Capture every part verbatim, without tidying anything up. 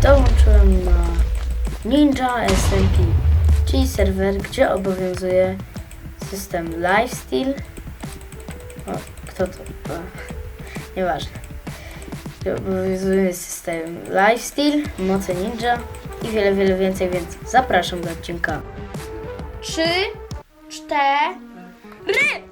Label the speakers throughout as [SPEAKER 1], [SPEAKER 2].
[SPEAKER 1] dołączyłem na Ninja S M P, czyli serwer, gdzie obowiązuje system Lifesteal. O, kto to? O, nieważne. Gdzie obowiązuje system Lifesteal, moce ninja i wiele, wiele więcej, więc zapraszam do odcinka.
[SPEAKER 2] Trzy, cztery.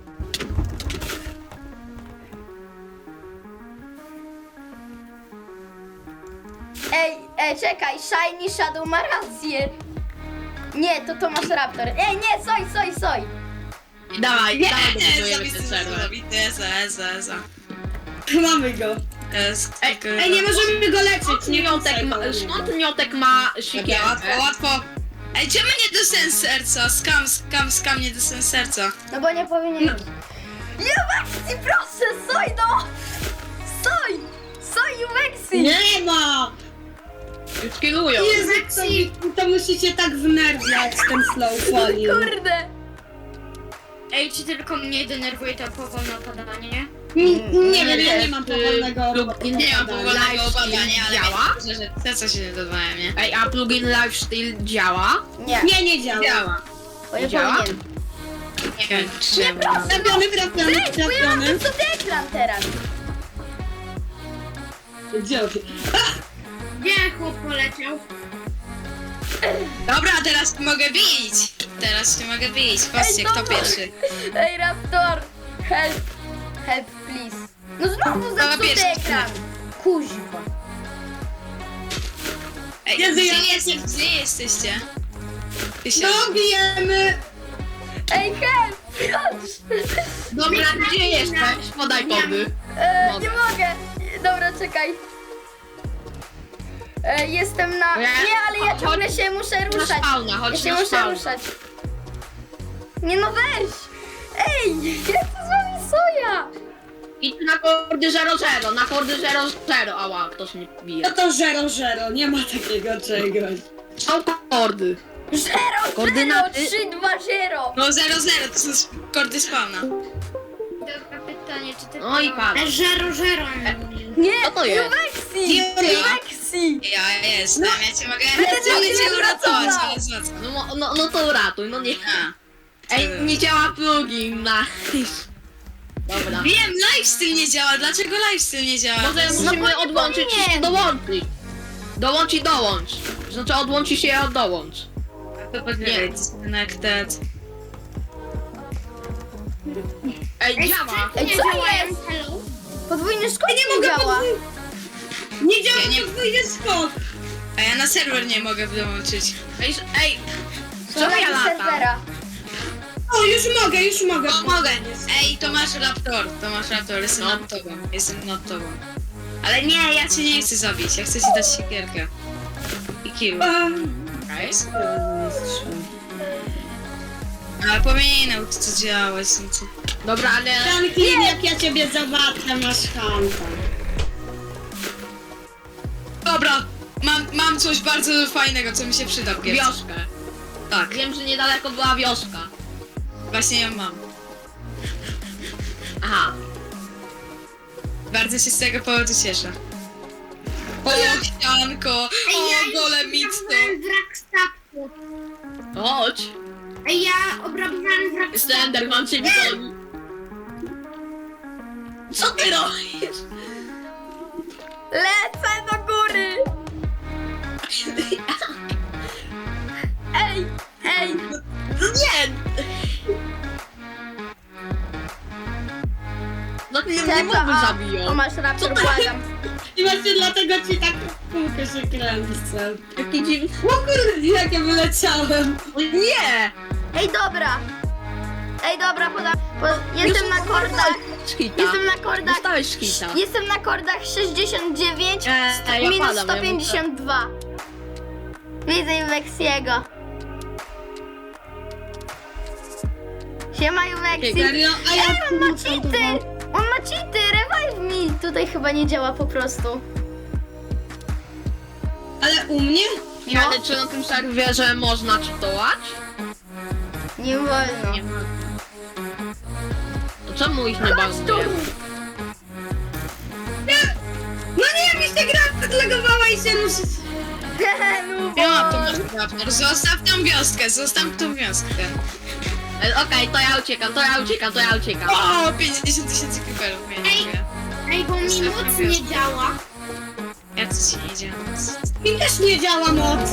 [SPEAKER 2] Ej, ej, czekaj, Shiny Shadow ma rację. Nie, to Tomasz Raptor. Ej, nie, soj, soj, soj.
[SPEAKER 3] Dawaj,
[SPEAKER 4] Nie,
[SPEAKER 3] dawaj,
[SPEAKER 4] nie,
[SPEAKER 3] dobudujemy ten
[SPEAKER 4] zabity,
[SPEAKER 3] serwer.
[SPEAKER 4] zabity, eza, eza, eza.
[SPEAKER 5] Mamy go.
[SPEAKER 4] Es,
[SPEAKER 3] Ej,
[SPEAKER 4] tylko-
[SPEAKER 5] Ej, nie możemy go leczyć,
[SPEAKER 3] Skąd
[SPEAKER 5] nie
[SPEAKER 3] miotek ma, skąd miotek ma
[SPEAKER 4] Dobra,
[SPEAKER 3] sikierkę?
[SPEAKER 4] łatwo, łatwo. Ej, czemu nie dostałem serca? Skam, skam, skam, nie dostałem serca.
[SPEAKER 2] No bo nie powinien. Nie, Maxi, proszę, soj, no. Soj, soj, Maxi.
[SPEAKER 5] Nie ma!
[SPEAKER 3] Skillują.
[SPEAKER 5] Jezu, to, to musicie tak wnerwiać ten slow falling.
[SPEAKER 2] Kurde.
[SPEAKER 6] Ej, czy tylko mnie denerwuje to powolne opadanie?
[SPEAKER 5] N- Nie wiem, ja nie
[SPEAKER 3] jest,
[SPEAKER 5] mam
[SPEAKER 3] y,
[SPEAKER 5] powolnego
[SPEAKER 3] plugin
[SPEAKER 4] Nie mam
[SPEAKER 3] Live
[SPEAKER 4] powolnego
[SPEAKER 3] Steal
[SPEAKER 4] opadania, ale
[SPEAKER 3] działa?
[SPEAKER 4] myślę, że serca się nie dodawają, nie?
[SPEAKER 3] Ej, a plugin Lifesteal działa?
[SPEAKER 2] Nie,
[SPEAKER 5] Nie, nie działa.
[SPEAKER 4] Działa.
[SPEAKER 2] bo nie
[SPEAKER 3] działa?
[SPEAKER 2] powinien.
[SPEAKER 4] Nie wiem, czemu.
[SPEAKER 5] Trafiony, trafiony,
[SPEAKER 2] Ej, bo ja mam
[SPEAKER 5] trafiony.
[SPEAKER 2] ten sobie ekran teraz.
[SPEAKER 5] Dzięki.
[SPEAKER 6] Gdzie chłop poleciał?
[SPEAKER 4] Dobra, teraz mogę bić. Teraz cię mogę bić. Patrzcie,
[SPEAKER 2] Ej,
[SPEAKER 4] kto
[SPEAKER 2] dobra.
[SPEAKER 4] pierwszy.
[SPEAKER 2] Ej, Raptor, help, help, please. No znowu
[SPEAKER 4] Dobra,
[SPEAKER 2] zepsuty
[SPEAKER 4] pierwszy.
[SPEAKER 2] ekran. Kuźwa.
[SPEAKER 4] Ej,
[SPEAKER 5] Jezu,
[SPEAKER 4] gdzie,
[SPEAKER 5] ja-
[SPEAKER 4] jesteś, gdzie jesteście? Ty się...
[SPEAKER 5] No, bijemy!
[SPEAKER 2] Ej, help, proszę.
[SPEAKER 3] Dobra, gdzie jesteś? Podaj kody.
[SPEAKER 2] E,
[SPEAKER 3] Mogę.
[SPEAKER 2] nie mogę. Dobra, czekaj. E, jestem na...
[SPEAKER 3] Nie.
[SPEAKER 2] Nie, ale ja
[SPEAKER 3] Chodź-
[SPEAKER 2] ciągle się muszę
[SPEAKER 3] Na
[SPEAKER 2] ruszać.
[SPEAKER 3] spawna,
[SPEAKER 2] Ja
[SPEAKER 3] chodź
[SPEAKER 2] się
[SPEAKER 3] na
[SPEAKER 2] muszę
[SPEAKER 3] spawna.
[SPEAKER 2] ruszać. Nie no, weź. Ej, jak to z wami soja?
[SPEAKER 3] Idź na kordy zero zero, na kordy zero zero. Ała, ktoś mnie bije.
[SPEAKER 5] No to zero zero, nie ma takiego czegoś.
[SPEAKER 3] Są kordy.
[SPEAKER 2] Zero, zero,
[SPEAKER 3] Koordynaty?
[SPEAKER 2] trzy, dwa, zero.
[SPEAKER 4] No zero zero, to są kordy spawna.
[SPEAKER 6] Dobra, pytanie, czy ty...
[SPEAKER 3] No i padł.
[SPEAKER 6] Żero, żero.
[SPEAKER 2] Nie,
[SPEAKER 3] Co to jest?
[SPEAKER 2] Maxi,
[SPEAKER 4] Ja?
[SPEAKER 2] Maxi.
[SPEAKER 4] Ja jestem, ja cię mogę...
[SPEAKER 2] Ale
[SPEAKER 4] Ja mogę
[SPEAKER 2] nie
[SPEAKER 4] cię uratować,
[SPEAKER 2] wracała.
[SPEAKER 4] ale zwracam.
[SPEAKER 3] No, mo- no, no to uratuj, no nie.
[SPEAKER 4] A.
[SPEAKER 3] Ej, nie działa plugin na... Dobra.
[SPEAKER 4] Wiem, lifestyle nie działa. Dlaczego lifestyle nie działa?
[SPEAKER 3] Może
[SPEAKER 4] To jest-
[SPEAKER 3] musimy
[SPEAKER 2] bo nie
[SPEAKER 3] odłączyć i się
[SPEAKER 2] powinien.
[SPEAKER 3] dołączyć. Dołącz i dołącz. Znaczy odłącz i się dołącz.
[SPEAKER 4] To poczekaj, disconnected.
[SPEAKER 3] Ej, działa.
[SPEAKER 2] Ej, co jest?
[SPEAKER 6] Hello?
[SPEAKER 2] Podwójny skok
[SPEAKER 5] Nie
[SPEAKER 2] nie
[SPEAKER 5] mogę
[SPEAKER 2] działa.
[SPEAKER 5] podwój- Nie działa,
[SPEAKER 4] Ja nie-
[SPEAKER 5] nie podwójny skok.
[SPEAKER 4] A ja na serwer nie mogę dołączyć.
[SPEAKER 3] Ej, s- ej.
[SPEAKER 2] Co
[SPEAKER 3] Co ja latam?
[SPEAKER 2] serwera?
[SPEAKER 5] O, już mogę, już mogę.
[SPEAKER 4] O, mogę. Ej, to masz raptor, to masz raptor, jestem
[SPEAKER 3] No.
[SPEAKER 4] nad tobą, jestem nad tobą. Ale nie, ja cię nie chcę zabić, ja chcę ci dać siekierkę. I kill.
[SPEAKER 5] A,
[SPEAKER 4] Nice. Ale powinienem to co działać, no co...
[SPEAKER 3] Dobra, ale...
[SPEAKER 5] Franklin, jak ja ciebie zobaczę, masz hanta.
[SPEAKER 4] Dobra, mam, mam coś bardzo fajnego, co mi się przyda w gierce.
[SPEAKER 3] Wioskę.
[SPEAKER 4] Tak,
[SPEAKER 3] Wiem, że niedaleko była wioska.
[SPEAKER 4] właśnie ją mam.
[SPEAKER 3] Aha.
[SPEAKER 4] Bardzo się z tego powodu cieszę. O, ścianko, o, golemicto.
[SPEAKER 6] Wrak statku.
[SPEAKER 3] Chodź.
[SPEAKER 6] Ej, ja obrabowałem wrak statku.
[SPEAKER 3] Slenderman cię goni. Co ty robisz?
[SPEAKER 2] Lecę do góry. Ej, ej.
[SPEAKER 3] Nie! No ty mnie nie mogły
[SPEAKER 2] O
[SPEAKER 3] zabiją.
[SPEAKER 2] masz raptor, błagam.
[SPEAKER 5] I właśnie dlatego ci tak w kółko się kręcę.
[SPEAKER 3] Jaki dziwny...
[SPEAKER 5] O kurde, jak ja wyleciałem.
[SPEAKER 3] Nie!
[SPEAKER 2] Ej, dobra. Ej, dobra, poda... Po... Jestem na kordach.
[SPEAKER 3] Szkita.
[SPEAKER 2] Jestem na kordach.
[SPEAKER 3] Dostałeś szkita.
[SPEAKER 2] Jestem na kordach sześćdziesiąt dziewięć
[SPEAKER 3] Eee, ja
[SPEAKER 2] minus
[SPEAKER 3] padam, ja
[SPEAKER 2] sto pięćdziesiąt dwa. Widzę Weksiego. Siema Weksi.
[SPEAKER 5] Serio? A ja
[SPEAKER 2] Ej, on ma
[SPEAKER 5] kółko
[SPEAKER 2] cheaty! On ma cheaty! Revive me! Tutaj chyba nie działa po prostu.
[SPEAKER 5] Ale u mnie?
[SPEAKER 3] Nie, ale czy na tym serwerze można czytować?
[SPEAKER 2] Nie wolno.
[SPEAKER 3] To czemu ich nie
[SPEAKER 2] Chodź tu!
[SPEAKER 3] bazuje?
[SPEAKER 5] No nie! nie, mi się gra zlegowała i się ruszy.
[SPEAKER 2] no
[SPEAKER 4] Ja
[SPEAKER 2] bo...
[SPEAKER 4] to masz raptor. Zostaw tą wioskę, zostaw tą wioskę.
[SPEAKER 3] E, Okej, to ja uciekam, to ja uciekam, to ja uciekam.
[SPEAKER 4] O, pięćdziesiąt tysięcy creeperów, ja nie
[SPEAKER 6] Ej.
[SPEAKER 4] żyję.
[SPEAKER 6] Ej, bo mi
[SPEAKER 4] Zostaw
[SPEAKER 6] moc
[SPEAKER 4] tą
[SPEAKER 6] nie
[SPEAKER 4] wioskę.
[SPEAKER 6] działa.
[SPEAKER 4] Jak to ci nie działa?
[SPEAKER 5] Mi też nie działa moc.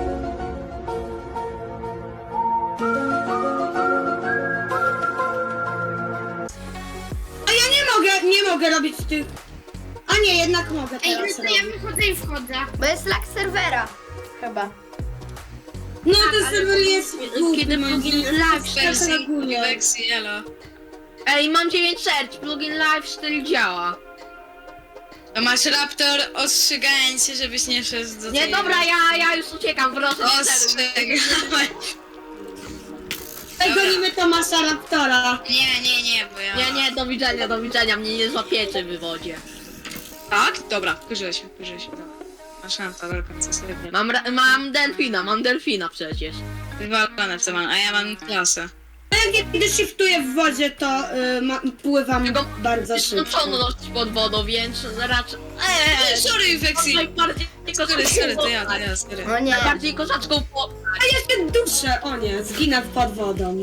[SPEAKER 5] A ja nie mogę, nie mogę robić tych... A nie, jednak mogę
[SPEAKER 6] Ej, no
[SPEAKER 5] teraz
[SPEAKER 6] to ja
[SPEAKER 5] robić.
[SPEAKER 6] wychodzę i wchodzę.
[SPEAKER 2] Bo jest lag serwera. Chyba.
[SPEAKER 5] No ten serwer jest głupi,
[SPEAKER 3] kiedy
[SPEAKER 5] moim
[SPEAKER 3] plugin
[SPEAKER 5] zdaniem.
[SPEAKER 3] live
[SPEAKER 5] Tak
[SPEAKER 4] Wersji,
[SPEAKER 5] reaguje.
[SPEAKER 4] wersji, elo.
[SPEAKER 3] Ej, mam dziewięć serc, plugin Lifestyle działa.
[SPEAKER 4] To masz raptor, ostrzegając się, żebyś nie szedł do
[SPEAKER 3] Nie,
[SPEAKER 4] tej...
[SPEAKER 3] dobra, ja, ja już uciekam, proszę.
[SPEAKER 4] Ostrzegałem.
[SPEAKER 5] Ej, gonimy Tomasa Raptora.
[SPEAKER 4] Nie, nie, nie, bo ja...
[SPEAKER 3] Nie, nie, do widzenia, do widzenia, mnie nie złapiecie w wodzie.
[SPEAKER 4] Tak? Dobra, wkurzyłem się, wkurzyłem się. Dobra. Masz raptor do końca srebrny.
[SPEAKER 3] Mam, ra- mam delfina, mam delfina przecież.
[SPEAKER 4] Wywalone w to mam, a ja mam klasę.
[SPEAKER 5] A jak kiedy shiftuję w wodzie, to y, ma, pływam
[SPEAKER 3] Tylko
[SPEAKER 5] bardzo
[SPEAKER 3] Jest
[SPEAKER 5] szybko.
[SPEAKER 3] skończoność pod wodą, więc raczej...
[SPEAKER 4] Eee,
[SPEAKER 3] Eee,
[SPEAKER 4] sorry, Weksy!
[SPEAKER 3] najbardziej
[SPEAKER 4] Sorry,
[SPEAKER 3] kozacką
[SPEAKER 4] sorry, to ja, to
[SPEAKER 3] postać.
[SPEAKER 4] ja, sorry.
[SPEAKER 2] O nie.
[SPEAKER 3] Najbardziej kozacką po...
[SPEAKER 5] A ja się duszę, o nie, zginę pod wodą.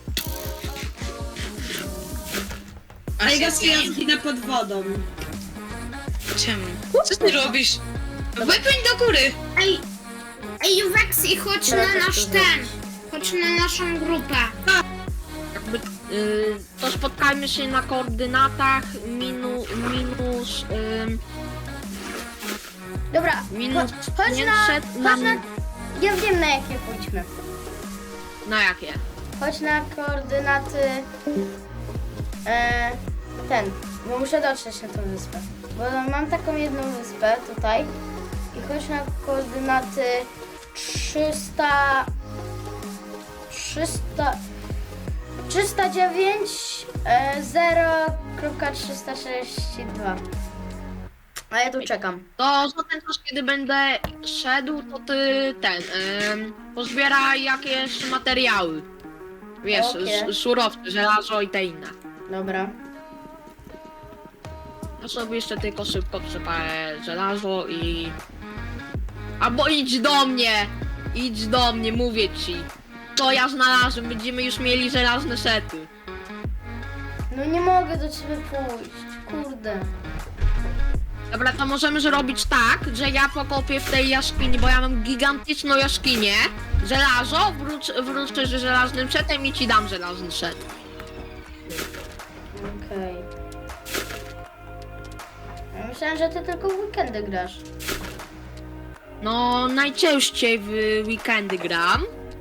[SPEAKER 5] A
[SPEAKER 4] Masz
[SPEAKER 5] ja
[SPEAKER 4] rację.
[SPEAKER 5] ja zginę pod wodą.
[SPEAKER 4] Czemu? Co ty robisz? No wypłyń do góry!
[SPEAKER 6] Ej, ej, Juweksy, chodź
[SPEAKER 2] Teraz
[SPEAKER 6] na
[SPEAKER 2] jak
[SPEAKER 6] nasz
[SPEAKER 2] to
[SPEAKER 6] ten. Chodź na naszą grupę.
[SPEAKER 3] Jakby, y, to spotkajmy się na koordynatach minu, minus... ym,
[SPEAKER 2] Dobra,
[SPEAKER 3] minus...
[SPEAKER 2] cho- chodź
[SPEAKER 3] nie,
[SPEAKER 2] na...
[SPEAKER 3] przed
[SPEAKER 2] Chodź
[SPEAKER 3] nam-
[SPEAKER 2] na... Ja wiem na jakie pójdźmy.
[SPEAKER 3] Na jakie?
[SPEAKER 2] Chodź na koordynaty... E, ten, bo muszę dotrzeć na tą wyspę. Bo mam taką jedną wyspę tutaj. I chodź na koordynaty trzysta... trzysta... trzysta dziewięć e, zero trzysta sześćdziesiąt dwa. A ja tu czekam.
[SPEAKER 3] To za ten czas, kiedy będę szedł, to ty ten... Ym, pozbieraj jakieś materiały. Wiesz,
[SPEAKER 2] Okej.
[SPEAKER 3] okay. surowce, żelazo i te inne.
[SPEAKER 2] Dobra.
[SPEAKER 3] Ja sobie jeszcze tylko szybko przepalę żelazo i... Albo idź do mnie! Idź do mnie, mówię ci. To ja znalazłem, będziemy już mieli żelazne sety.
[SPEAKER 2] No nie mogę do ciebie pójść. Kurde.
[SPEAKER 3] Dobra, to możemy zrobić tak, że ja pokopię w tej jaskini, bo ja mam gigantyczną jaskinię. Żelazo, wróć, wrócę z żelaznym setem i ci dam żelazny set.
[SPEAKER 2] Okej. Ja myślałem, że ty tylko w weekendy grasz.
[SPEAKER 3] No, najczęściej w weekendy gram.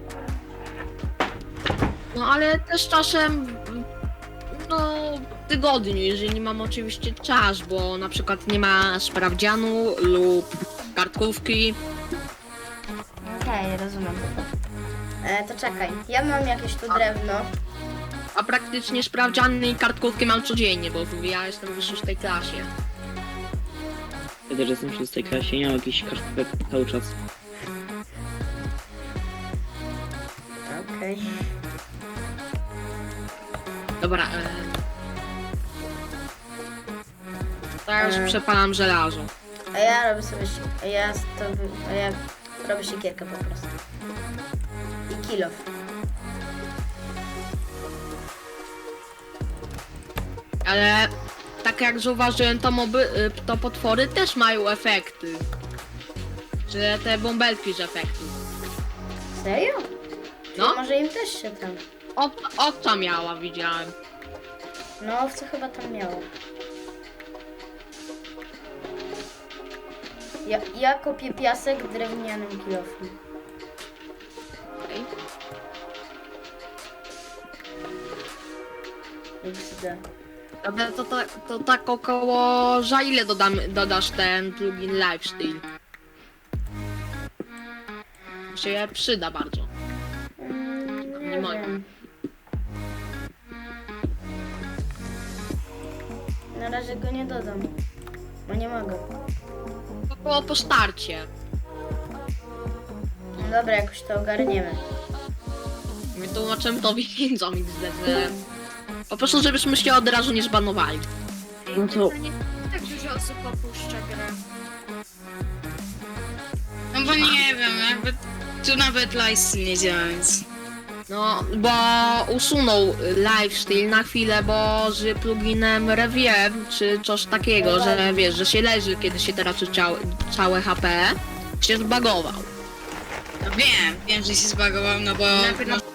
[SPEAKER 3] No, ale też czasem, no, w tygodniu, jeżeli mam oczywiście czas, bo na przykład nie ma sprawdzianu lub kartkówki.
[SPEAKER 2] Okej, rozumiem. E, to czekaj, ja mam jakieś tu drewno.
[SPEAKER 3] A praktycznie sprawdziany i kartkówki mam codziennie, bo ja jestem w szóstej klasie.
[SPEAKER 7] Ja też jestem w szóstej klasie, nie mam jakichś kartkówek cały czas.
[SPEAKER 2] Okej.
[SPEAKER 3] Dobra, e... Teraz
[SPEAKER 2] E.
[SPEAKER 3] przepalam żelazo.
[SPEAKER 2] A ja robię sobie si- a ja to wy- a ja robię siekierkę po prostu. I kill off.
[SPEAKER 3] Ale tak jak zauważyłem, to moby, y, to potwory też mają efekty. Że te bąbelki z efektu.
[SPEAKER 2] Serio?
[SPEAKER 3] No,
[SPEAKER 2] No. Może im też się tam.
[SPEAKER 3] owca, owca miała, widziałem.
[SPEAKER 2] No, owce chyba tam miało. Ja, ja kopię piasek drewnianym kilofem.
[SPEAKER 3] Okej.
[SPEAKER 2] X D.
[SPEAKER 3] Dobra, to, to, to tak około... Za ile dodam, dodasz ten plugin Lifestyle? Się przyda bardzo.
[SPEAKER 2] Mm,
[SPEAKER 3] Nie
[SPEAKER 2] nie
[SPEAKER 3] mogę.
[SPEAKER 2] wiem. Na razie go nie dodam. Bo nie mogę.
[SPEAKER 3] Około po starcie.
[SPEAKER 2] No dobra, jakoś to ogarniemy.
[SPEAKER 3] My tłumaczymy to widzom X D, że... Po prostu, żebyśmy się od razu nie zbanowali.
[SPEAKER 7] No to
[SPEAKER 6] To nie tak dużo osób opuszcza grę.
[SPEAKER 4] bo nie wiem, jakby tu nawet lifestyle nie działa, więc...
[SPEAKER 3] No, bo usunął lifestyle na chwilę, bo z pluginem Review, czy coś takiego, że wiesz, że się leży, kiedy się traci ciałe, całe H P, się zbagował.
[SPEAKER 4] No wiem, wiem, że się zbagował, no bo...
[SPEAKER 6] Najpierw na